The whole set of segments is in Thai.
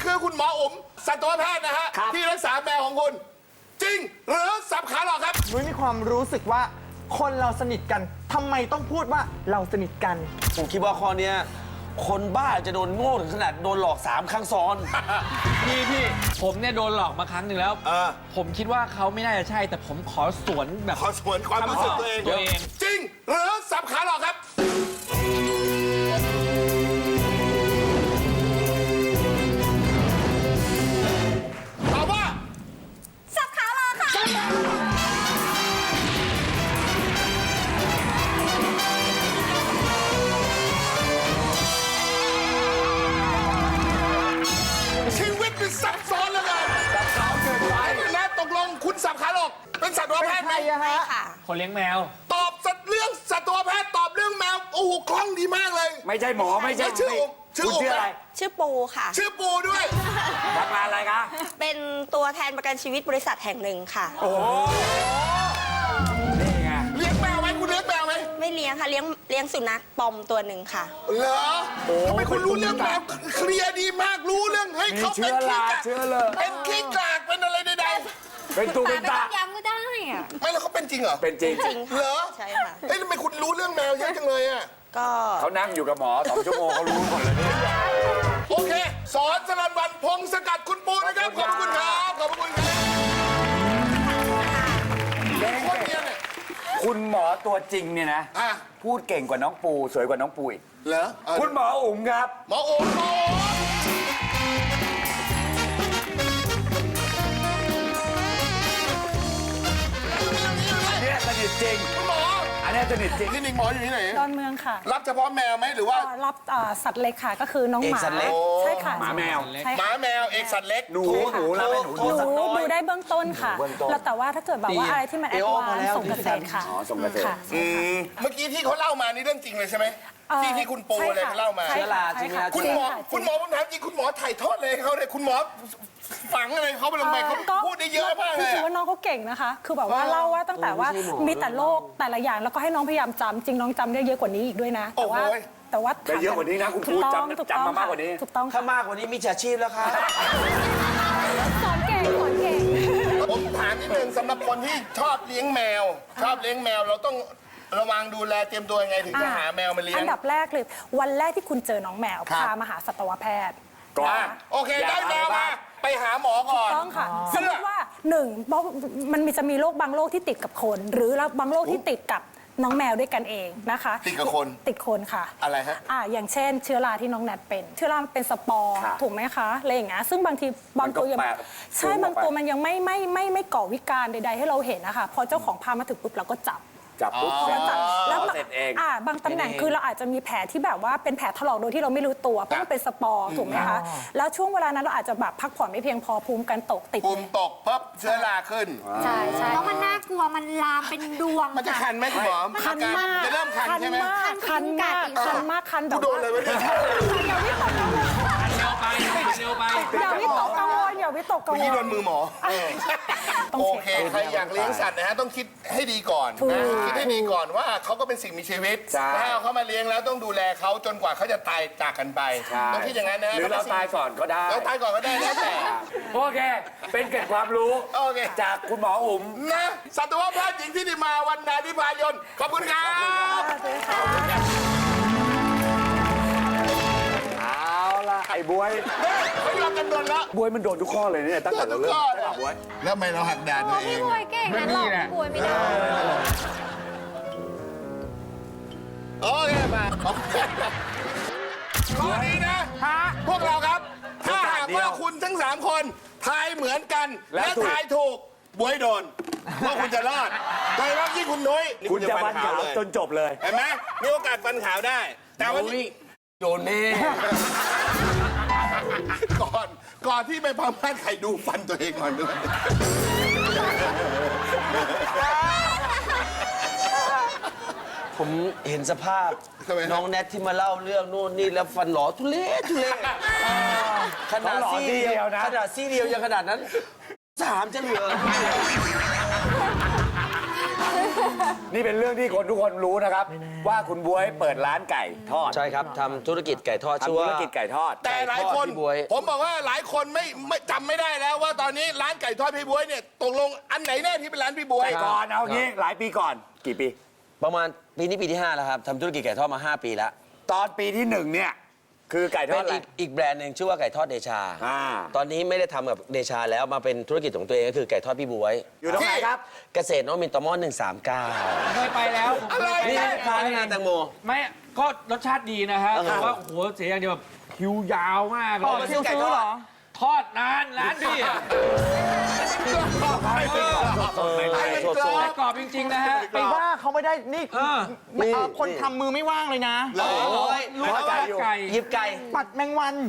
คือคุณหมออุ๋มสัตวแพทย์นะฮะที่รักษาแมวของคุณจริงหรือสับขาหลอกครับนุ้ยมีความรู้สึกว่าคนเราสนิทกันทำไมต้องพูดว่าเราสนิทกันผมคิดว่าข้อนี้คนบ้าจะโดนโง่ถึงขนาดโดนหลอก3 ครั้งซ้อนพี่ผมเนี่ยโดนหลอกมาครั้งหนึ่งแล้วผมคิดว่าเขาไม่น่าจะใช่แต่ผมขอสวนแบบขอสวนความรู้สึกตัวเองจริงหรือสับขาหลอกครับตอบว่าสับขาหลอกค่ะชีวิตมันซับซ้อนแล้วกันซับซ้อนเกินไปนะตกลงคุณสับขาหลอกเป็นสัตวแพทย์ไหมไม่ค่ะคนเลี้ยงแมวตอบเรื่องสัตวแพทย์ตอบเรื่องแมวโอ้โหคล่องดีมากเลยไม่ใช่หมอไม่ใช่ชื่อคุณชื่ออะไรชื่อปูค่ะชื่อปูด้วยทำงานอะไรคะเป็นตัวแทนประกันชีวิตบริษัทแห่งหนึ่งค่ะโอ้นี่ไงเลี้ยงแมวไหมคุณเลี้ยงแมวไหมไม่เลี้ยงค่ะเลี้ยงสุนัขปอมตัวหนึ่งค่ะเหรอทำไมคุณรู้เรื่องแมวเคลียร์ดีมากรู้เรื่องให้เขาเป็นขี้กากเป็นขี้กากเป็นอะไรใดๆเป็นตูเป็นตาย้ำก็ได้อะไม่แล้วเขาเป็นจริงเหรอเป็นจริงเหรอใช่ค่ะเฮ้ยทำไมคุณรู้เรื่องแมวเยอะจังเลยอ่ะก็เขานั่งอยู่กับหมอ2 ชั่วโมงเขารู้หมดเลยนี่โอเคสอนสรัญวันพงศกัดคุณปูนะครับขอบคุณครับขอบคุณครับคนเดียวเนี่ยคุณหมอตัวจริงเนี่ยนะพูดเก่งกว่าน้องปูสวยกว่าน้องปูอีกเหรอคุณหมออุ๋มครับหมอโอ๋เนี่ยสนิทจริงหมออันนี้สนิทจริงนี่หมออยู่ที่ไหนดอนเมืองค่ะรับเฉพาะแมวไหมหรือว่ารับสัตว์เล็กค่ะก็คือน้องหมาใช่ค่ะหมาแมวหมาแมวเอกสัตว์เล็กหนูแล้วเป็นหนูดูได้เบื้องต้นค่ะแล้วแต่ว่าถ้าเกิดแบบว่าอะไรที่มันแอดวานซ์ส่งเกษตรค่ะส่งเกษตรเมื่อกี้ที่เขาเล่ามานี่เรื่องจริงเลยใช่ไหมที่คุณปูอะไรเขาเล่ามาเชื้อราจริงนะคุณหมอผมถามจริงคุณหมอถ่ายทอดเลยเขาเลยคุณหมอฝังอะไรเขาไปลงไปเขาพูดได้เยอะมากเลยคือว่าน้องเขาเก่งนะคะคือแบบว่าเล่าว่าตั้งแต่ว่ามีแต่โรคแต่ละอย่างแล้วก็ให้น้องพยายามจำจริงน้องจำได้เยอะกว่านี้อีกด้วยนะแต่ว่าได้เยอะกว่านี้นะคุณพูดจำมามากกว่านี้ถูกต้องถ้ามากกว่านี้มีอาชีพแล้วค่ะสอนเก่งผมถามนิดนึงสำหรับคนที่ชอบเลี้ยงแมวเราต้องระวังดูแลเตรียมตัวยังไงถึงจะหาแมวมาเลี้ยงอันดับแรกเลยวันแรกที่คุณเจอน้องแมวพามาหาสัตวแพทย์ก่อนโอเคได้แมวมาไปหาหมอก่อนต้องค่ะสมมติว่ามันจะมีโรคบางโรคที่ติดกับคนหรือบางโรคที่ติดกับน้องแมวด้วยกันเองนะคะติดกับคนติดคนค่ะอะไรฮะอย่างเช่นเชื้อราที่น้องแนทเป็นเชื้อราเป็นสปอร์ถูกไหมคะอะไรอย่างเงี้ยซึ่งบางทีบางตัวยังใช่บางตัวมันยังไม่ก่อวิการใดๆให้เราเห็นนะคะพอเจ้าของพามาถึงปุ๊บเราก็จับปุ๊บแล้วเสร็จเองบางตำแหน่งคือเราอาจจะมีแผลที่แบบว่าเป็นแผลถลอกโดยที่เราไม่รู้ตัวเพราะมันเป็นสปอร์ถูกไหมคะแล้วช่วงเวลานั้นเราอาจจะแบบพักผ่อนไม่เพียงพอภูมิกันตกติดภูมิตกปั๊บเชื้อราขึ้นใช่แล้วมันน่ากลัวมันลามเป็นดวงมันจะคันไหมคุณหมอคันมากจะเริ่มคันใช่ไหมคันมากแบบโดนเลยอย่าวิตกกังวลอย่าวิตกกังวลเมื่อกี้โดนมือหมอโอเคใครอยากเลี้ยงสัตว์นะฮะต้องคิดให้ดีก่อนนะคิดให้ดีก่อนว่าเขาก็เป็นสิ่งมีชีวิตถ้าเอาเขามาเลี้ยงแล้วต้องดูแลเขาจนกว่าเขาจะตายจากกันไปต้องคิดอย่างนั้นนะหรือเราตายก่อนก็ได้เราตายก่อนก็ได้แล้วแต่โอเคเป็นเกร็ดความรู้จากคุณหมออุ๋มนะสัตวแพทย์หญิงที่ได้มาวันนาธิพายนขอบคุณครับเอาล่ะไอ้บวยไม่ยอมกันโดนแล้วบวยมันโดนทุกข้อเลยเนี่ยตั้งแต่เราเริ่มบวยแล้วทำไมเราหักด่านตัวเองพี่บวยเก่งนะหลอกพี่บวยไม่ได้โอเคมาข้อนี้นะพวกเราครับถ้าหากว่าคุณทั้ง3คนทายเหมือนกันและทายถูกบวยโดนว่าคุณจะรอดโดยเฉพาะที่คุณนุ้ยคุณจะฟันขาวจนจบเลยเห็นไหมมีโอกาสฟันขาวได้แต่วันนี้โดนแน่ก่อนที่ไปพม่าใครดูฟันตัวเองก่อนด้วยผมเห็นสภาพน้องแนทที่มาเล่าเรื่องนู่นนี่แล้วฟันหลอทุเรศขนาดซี่เดียวนะขนาดซี่เดียวยังขนาดนั้น3จะเหลือคนี่เป็นเรื่องที่คนทุกคนรู้นะครับ ว่าคุณบ๊วยเปิดร้านไก่ทอดใช่ครับทำธุรกิจไก่ทอดชื่อทำธุว่ารกิจไก่ทอดแต่หลายคนพี่บ๊วยผมบอกว่าหลายคนไม่จำไม่ได้แล้วว่าตอนนี้ร้านไก่ทอดพี่บ๊วยเนี่ยตกลงอันไหนแน่ที่เป็นร้านพี่บ๊วยแต่ก่อนเอางี้หลายปีก่อนกี่ปีประมาณปีนี้ปีที่ 5 แล้วครับทำธุรกิจไก่ทอดมา 5 ปีแล้วตอนปีที่ 1เนี่ยคือไก่ทเป็อดนอะไรอีกแบรนด์หนึ่งชื่อว่าไก่ทอดเดชาอ่าตอนนี้ไม่ได้ทำกับเดชาแล้วมาเป็นธุรกิจของตัวเองก็คือไก่ทอดพี่บวยอยู่ตรงไหนครับเกษตรนวมินทร์ตม139 เคยไปแล้วอะไรนี่เนี่ยร้านงานแตงโมไม่ก็รสชาติดีนะฮะแต่ว่าโอ้โหเสียอย่างเดียวแบบคิวยาวมากเลต่อย คิวซื้อเหรอทอดนานร้านพี่อะสดแต่กรอบจริง ๆ นะฮะไปว่าเขาไม่ได้ นี่นี่คนทำมือไม่ว่างเลยนะโอ้ยลูกไก่ไก่หยิบไก่ปัดแมงวัน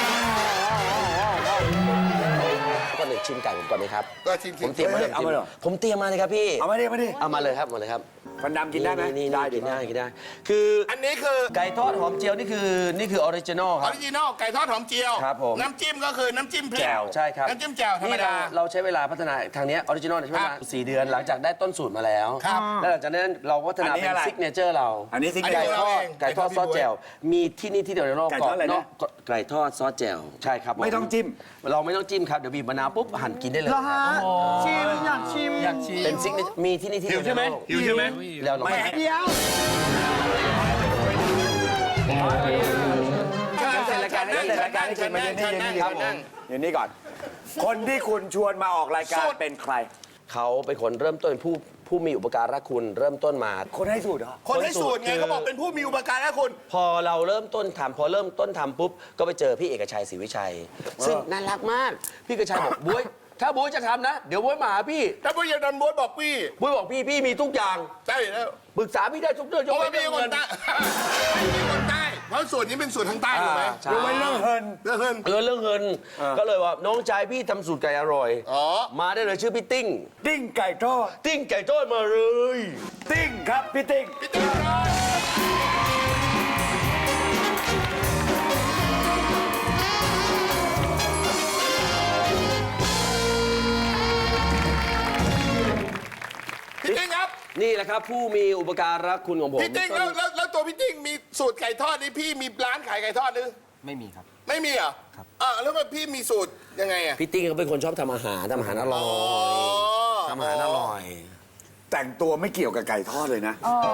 ก่อนหนึ่งชิมไก่ผมก่อนไหมครับก็ชิมผมเตรียมมาเอามาเลยเหรอผมเตรียมมาเลยครับพี่เอามาดิเอามาเลยครับหมดเลยครับฟันดำกินได้ไหมนี่ได้กินได้กินได้ คืออันนี้คือไก่ทอดหอมเจียวนี่คือออริจินอลคอรัอบ ริจินอลไก่ทอดหอมเจียวครับผมน้ำจิ้มก็คือน้ำจิ้มพริกแจ่วใช่ครับน้ำจิ้มแจ่วธรรมนี่ดาเราใช้เวลาพัฒนาทางเนี้ออริจินอลใช้เวลา4 เดือนหลังจากได้ต้นสูตรมาแล้วครับแล้วหลังจากนั้นเราก็พัฒนาเป็นซิกเนเจอร์เราอันนี้ซิกอันเนนี้เจอเราร์เองไก่ทอดซอสแจ่วมีที่นี่ที่เดียวในโลกไก่ทอดอะไรนะไก่ทอดซอสแจ่วใช่ครับผไม่ต้องจิ้มเราไม่ต้องจิ้มครับเดี๋ยวบีบมะนาวปุ๊บหั่นกินได้เลยเหรอฮะ ชิม อยากชิมอยากชิมเป็นซิกเนเจอร์มีที่นี่ที่เดียวในโลกหิวใช่ไหมแล้วเราไม่เดี๋ยวเสร็จรายการนี้เสร็จรายการนี้เชิญมาเย็นนี่เย็นนี่ครับผมเย็นนี่ก่อน คนที่คุณชวนมาออกรายการเป็นใครเขาเป็นคนเริ่มต้นผู้มีอุปการะคุณเริ่มต้นมาคนให้สูตรเหรอคนให้สูตรไงเขาบอกเป็นผู้มีอุปการะคุณพอเราเริ่มต้นทำพอเริ่มต้นทำปุ๊บก็ไปเจอพี่เอกชัยศรีวิชัย ซึ่งน่ารักมาก พี่เอกชัยบอกบ๊วยถ้าบ๊วยจะทำนะ เดี๋ยวบ๊วยมาหาพี่ถ้าผู้ใหญ่ดันบดบอกพี่บ๊วยบอกพี่มีทุกอย่างใช่แล้วปรึกษาพี่ได้ทุกเรื่องเพราะว่าเรื่พี่องคเงินนใต้พี่คนใต้เพราะส่วนนี้เป็นส่วนทางใต้ถูกไหมใช่ยกเว้นเรื่องเฮินเรื่องเงินเรื่องเงินก็เลยว่าน้องชายพี่ทำสูตรไก่อร่อยอ๋อมาได้เลยชื่อพี่ติ้งติ้งไก่ทอดติ้งไก่ทอดมาเลยติ้งครับพี่ติ้งพี่ติ๊กครับพี่ติ๊กครับนี่แหละครับผู้มีอุปการะคุณของผมพี่ติ๊กแล้วตัวพี่ติ๊กมีสูตรไก่ทอดนี่พี่มีร้านขายไก่ทอดหรือไม่มีครับไม่มีเหรอครับแล้วมันพี่มีสูตรยังไงอ่ะพี่ติ้งเขาเป็นคนชอบทำอาหารอร่อยทำอาหารอร่อยแต่งตัวไม่เกี่ยวกับไก่ทอดเลยนะ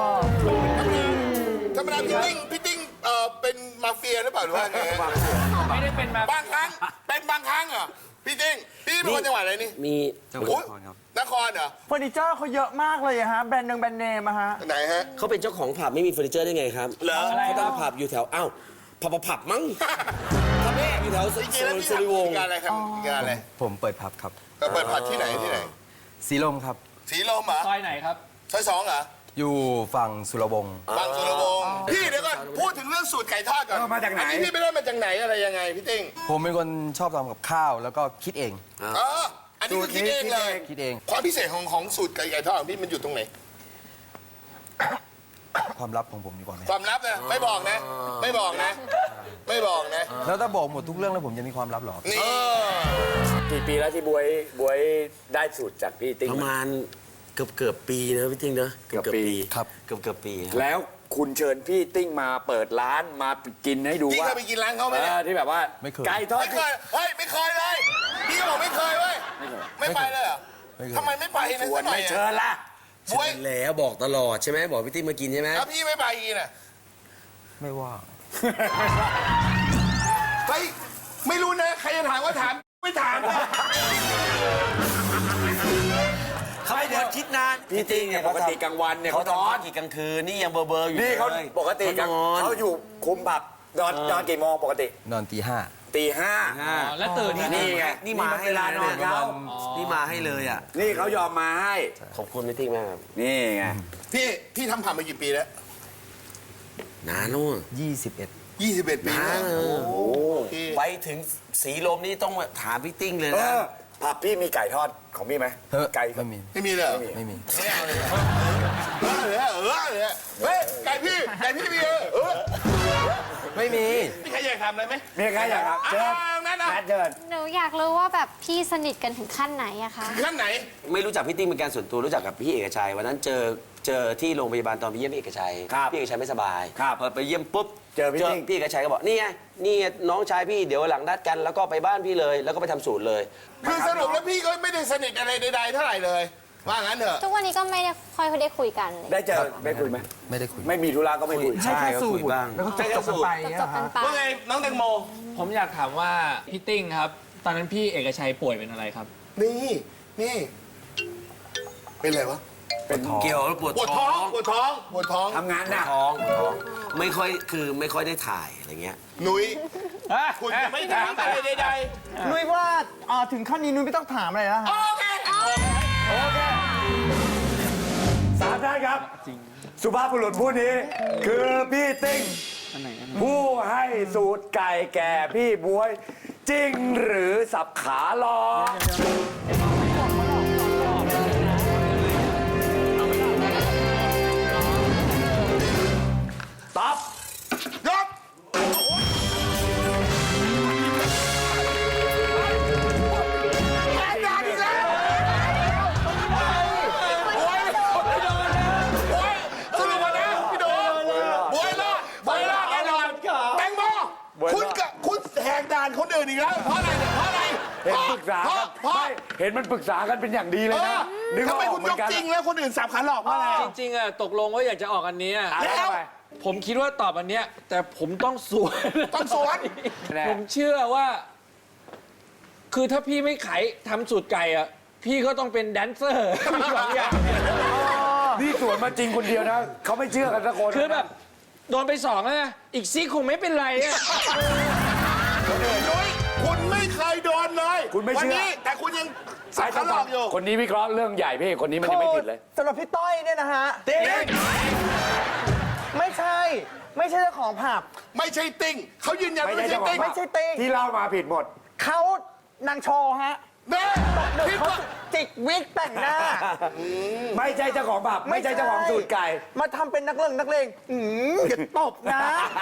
ธรรมดาพี่ติ้งเป็นมาเฟียหรือเปล่าหรือว่าไงไม่ได้เป็นมาบางครั้งเป็นบางครั้งเหรอพี่ติ้งพี่เป็นคนจังหวัดอะไรนี่มีจังหวัดโอ้ยนครครับนครเหรอเฟอร์นิเจอร์เขาเยอะมากเลยอะฮะ แบรนด์เนมอะฮะไหนฮะเขาเป็นเจ้าของผับไม่มีเฟอร์นิเจอร์ได้ไงครับเหรอเขาตั้งผับอยู่แถวอ้าวผับมั้งทำแม่อยู่แถวจริงๆแล้วพี่สุริวงศ์ทำงานอะไรครับงานอะไรผมเปิดผับครับเปิดผัดที่ไหนที่ไหนสีลมครับสีลมเหรอซอยไหนครับซอย2เหรออยู่ฝั่งสุรวงศ์บางสุรวงศ์พี่เดี๋ยวก่อนพูดถึงเรื่องสูตรไก่ทอดก่อนมาจากไหนอันนี้พี่ไปได้มาจากไหนอะไรยังไงพี่ติ้งผมเป็นคนชอบทำกับข้าวแล้วก็คิดเองอันนี้คือคิดเองเลยคิดเองความพิเศษของสูตรไก่ทอดของพี่มันอยู่ตรงไหนความลับของผมดีกว่าไหมความลับนะไม่บอกนะ ไม่บอกนะ ไม่บอกนะแล้วถ้าบอกหมดทุกเรื่องแล้วผมจะมีความลับเหรอนี่กี่ปีแล้วที่บวยได้สูตรจากพี่ติ้งประมาณเกือบปีนะพี่ติ้งเนอะเกือบปีครับเกือบปีครับแล้วคุณเชิญพี่ติ้งมาเปิดร้านมากินให้ดูพี่ว่าเคยไปกินร้านเขาไหมเนี่ยที่แบบว่าไม่เคยไก่ทอดไม่เคยเฮ้ยไม่เคยเลยพี่ก็บอกไม่เคยเว้ยไม่ไปเลยเหรอไม่เคยทำไมไม่ไปนะชวนสักหน่อไม่ยเชิญล่ะบวยแล้วบอกตลอดใช่ไหมบอกพี่ติ้งมากินใช่ไหมแล้วพี่ไม่ไปกินอ่ะไม่ว่าเฮ้ยไม่รู้นะใครจะถามก็ถามไม่ถามนะเขาไม่เดินคิดนานพี่ติ้งเนี่ยปกติกลางวันเนี่ยเขาเขานทำอนกี่กลางคืนนี่ยังเบอร์อยู่นี่เขาเลยปกติกลางนอนเขาอยู่คุมผับนอนกี่โมงปกตินอนตี 5 ตี 5 แล้วตื่นนี่ไงนี่มาให้เวลานอนเขานี่มาให้เลยอ่ะนี่เขายอมมาให้ขอบคุณพี่ติ้งมากครับนี่ไงพี่ทำผับมากี่ปีแล้วนานนู่น 21 21 ปีแล้ว พี่ไปถึงสีลมนี่ต้องถามพี่ติ้งเลยเอนะอผับพี่มีไก่ทอดของพี่ไหมเฮ้ยไก่ไม่มีไม่มีเลยเหรอไม่มีไม่เอาเลยเฮ้ยไก่พี่มีไม่มีมีใครอยากทำอะไรไหมมีใครอยากครับเชิญนั่นนะแนทเชิญหนูอยากรู้ว่าแบบพี่สนิทกันถึงขั้นไหนอะคะขั้นไหนไม่รู้จักพี่ติ้งเป็นการส่วนตัวรู้จักกับพี่เอกชัยวันนั้นเจอที่โรงพยาบาลตอนไปเยี่ยมพี่เอกชัยครับพี่เอกชัยไม่สบายครับพอไปเยี่ยมปุ๊บเจอพี่ติ้งพี่เอกชัยก็บอกนี่ไงนี่ไงน้องชายพี่เดี๋ยววันหลังนัดกันแล้วก็ไปบ้านพี่เลย แล้วก็ไปทำสูตรเลยคือสรุปแล้วพี่ก็ไม่ได้สนิทอะไรใดๆเท่าไหร่เลย ว่างั้นเถอะทุกวันนี้ก็ไม่ได้ค่อยได้คุยกันได้เจอได้คุยไหมไม่ได้คุยไม่มีธุระก็ไม่คุยให้แค่สูตคุยรบ้างแล้วก็จบกันไปอย่างเงี้ยจเหรบอๆกันฮะไปว่าไงน้องแตงโมผมอยากถามว่าพี่ติ้งครับ ตอนนั้นพี่เอกชัยป่วยเป็นอะไรครับนี่ เป็นอะไรวะเป็นท้องเกี่ยวแล้วปวดปวดท้อง ปวดท้อง ปวดท้องทำงานหนักท้องไม่ค่อยได้ถ่ายอะไรเงี้ยหนุยคุณจะไม่ถามอะไรใดนุ้ยว่าถึงขั้นนี้นุ้ยไม่ต้องถามอะไรแล้วๆฮะโอเคสามท่านครับ สุภาพบุรุษผู้นี้ คือพี่ติ้งผู้ให้สูตรไก่แก่พี่บวย จริงหรือสับขาหลอกตอบยกสรุปว่านะพี่โดบวยรอดแน่นอนแตงโมคุณแหกด่านคนอื่นอีกแล้ว เพราะอะไรเนี่ยเพราะอะไรเห็นปรึกษากันเพราะไม่เห็นมันปรึกษากันเป็นอย่างดีเลยนะนึกทำว่าไมออคุกณเหมืยอก นกันจริงแล้วคนอื่นสับขาหลอกเพราะอะไรจริงๆอะตกลงว่าอยากจะออกอันเนี้ยแล้วผมคิดว่าตอบอันเนี้ยแต่ผมต้องสวนต้องสวนผมเชื่อว่า คือถ้าพี่ไม่ขายทำสูตรไก่อะพี่ก็ต้องเป็นแดนเซอร์สองอย่างนี่สวนมาจริงคนเดียวนะเขาไม่เชื่อกันสักคนคือแบบโดนไปสองแล้วนะอีกซีกคงไม่เป็นไรอะนุ้ยคุณไม่เคยโดนเลยคุณไม่วัเชื่อนี้แต่คุณยังสับขาหลอกอยู่คนนี้วิเคราะห์เรื่องใหญ่พี่คนนี้มันยังไม่ผิดเลยสำหรับพี่ต้อยเนี่ยนะฮะติ๊งไม่ใช่เจ้าของผับไม่ใช่ติ๊งเขายืนยันว่าไม่ใช่ติ๊งไม่ใช่ติ๊งที่เล่ามาผิดหมดเขานางโชว์ฮะเน่หนึ่งคิดเขาว่าจิกวิกแต่งหน้าไม่ใช่เจ้าของผับไม่ใช่เจ้าของสูตรไก่มาทำเป็นนักเลงอย่าตบนะ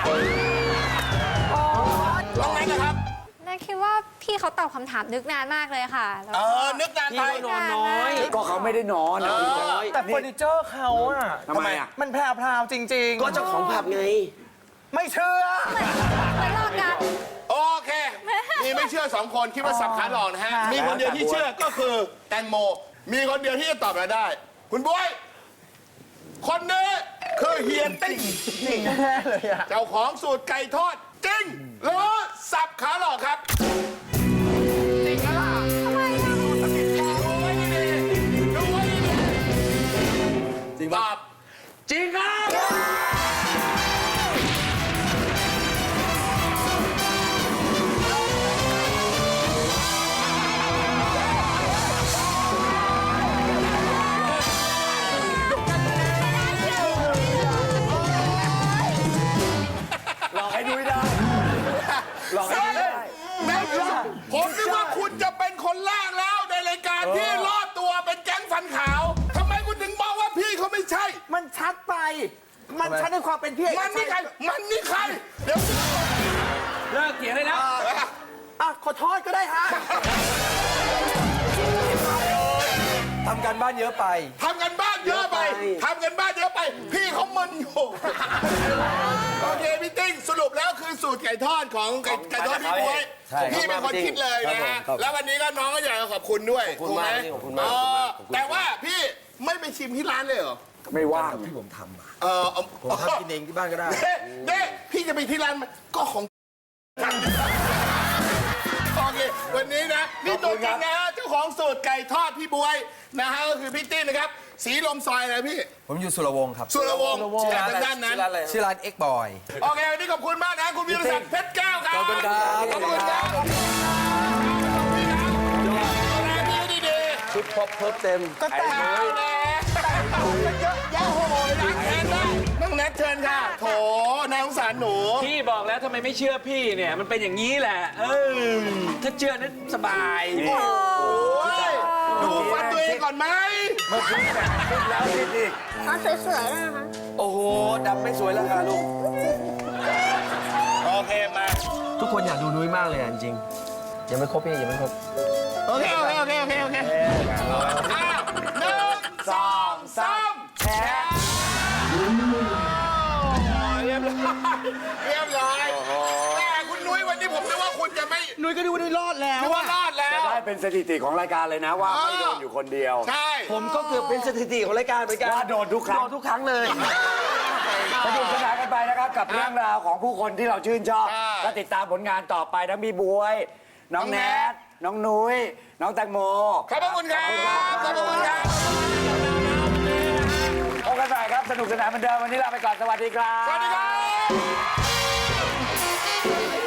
ลองไหนนะครับน่าคิดว่าพี่เขาตอบคำถามนึกนานมากเลยค่ะแล้วก็นึกนานพี่ไปก็นอนน้อยก็เขาไม่ได้นอนนะแต่เฟอร์นิเจอร์เขาอะทำไมอ่ะมันแพรวๆจริงๆก็เจ้าของผับไงไม่เชื่อเหมือนหลอกกันโอเค มีไม่เชื่อสองคนคิดว่าสับขาหลอกนะฮะ มีคนเดียวที่เชื่อก็คือแตงโม มีคนเดียวที่จะตอบเราได้ คุณบวย คนนี้คือเฮียติ้งจริงแน่เลยอะเจ้าของสูตรไก่ทอดจริงหรือสับขาหลอกครับ จริงแล้วล่ะทำไมดูไว้ดีๆดูไว้ดีๆจริงตอบจริงครับหลอกให้นุ้ยได้หลอกให้นุ้ยได้แม่ครับผมนึกว่าคุณจะเป็นคนแรกแล้วในรายการที่รอดตัวเป็นแก๊งฟันขาวทำไมคุณถึงมองว่าพี่เขาไม่ใช่มันชัดไป มันชัดในความเป็นพี่เอกมันนี่ใคร มันนี่ใคร เดี๋ยวเลิกเถียงเลยนะอ่ะขอโทษก็ได้ฮะทำการบ้านเยอะไปทำกันบ้านเยอะไป ทำกันบ้านเยอะไป พี่เขามึนอยู่ โอเคพี่ติ้งสรุปแล้วคือสูตรไก่ทอดของไก่ทอดพี่บ๊วยใช่พี่เป็นคนคิดเลยนะฮะครับผมแล้ววันนี้ก็น้องก็อยากจะขอบคุณด้วยขอบคุณมากถูไหพี่ขอบคุณมากแต่ว่าพี่ไม่ไปชิมที่ร้านเลยเหรอไม่ว่างที่ผมทำอะผมทำกินเองที่บ้านก็ได้เน่พี่จะไปที่ร้านมันก็ของโอเควันนี้นะนี่ตัวจริงนะฮะเจ้าของสูตรไก่ทอดพี่บวยนะฮะก็คือพี่ติ้นนะครับ สีลมซอยอะไรพี่ผมอยู่สุรวงศ์ครับสุรวงศ์จากทางด้านนั้นชื่อร้าน X Boy โอเควันนี้ขอบคุณมากนะคุณวิรศักดิ์เพชรแก้วครับขอบคุณครับขอบคุณครับขอบคุณครับดูแลพี่ดีๆชุดพบเพิ่มเต็มก็แต่งเอาแล้วเยอะแยะโหยล้างแค้นได้น้องแนทเชิญค่ะโถนายสงสารหนูพี่บอกแล้วทำไมไม่เชื่อพี่เนี่ย มันเป็นอย่างนี้แหละ ถ้าเชื่อนั้นสบายโอ้ยดูฟันตัวเองก่อนไหมเมื่อกี้แบบคิดแล้วคิดอีกเขาสวยๆนะคะโอ้โหดำไม่สวยแล้วค่ะลูกโอเคมาทุกคนอยากดูนุ้ยมากเลยอ่ะจริงๆยังไม่ครบพี่ยังไม่ครบโอเคอ้าว1 2 3แชร์เรียบร้อยแต่คุณนุ้ยวันนี้ผมนึกว่าคุณจะไม่นุ้ยก็ดูว่านุ้ยรอดแล้วนึกว่ารอดแล้วได้เป็นสถิติของรายการเลยนะว่าไม่โดนอยู่คนเดียวใช่ผมก็เกือบเป็นสถิติของรายการเหมือนกันว่าโดนทุกครั้งโดนทุกครั้งเลยสนุกสนานกันไปนะครับกับเรื่องราวของผู้คนที่เราชื่นชอบและติดตามผลงานต่อไปทั้งพี่บวย น้องแนทน้องนุ้ยน้องแตงโมขอบพระคุณครับขอบพระคุณครับพบกันใหม่ครับสนุกสนานเหมือนเดิมวันนี้ลาไปก่อนสวัสดีครับสวัสดีครับ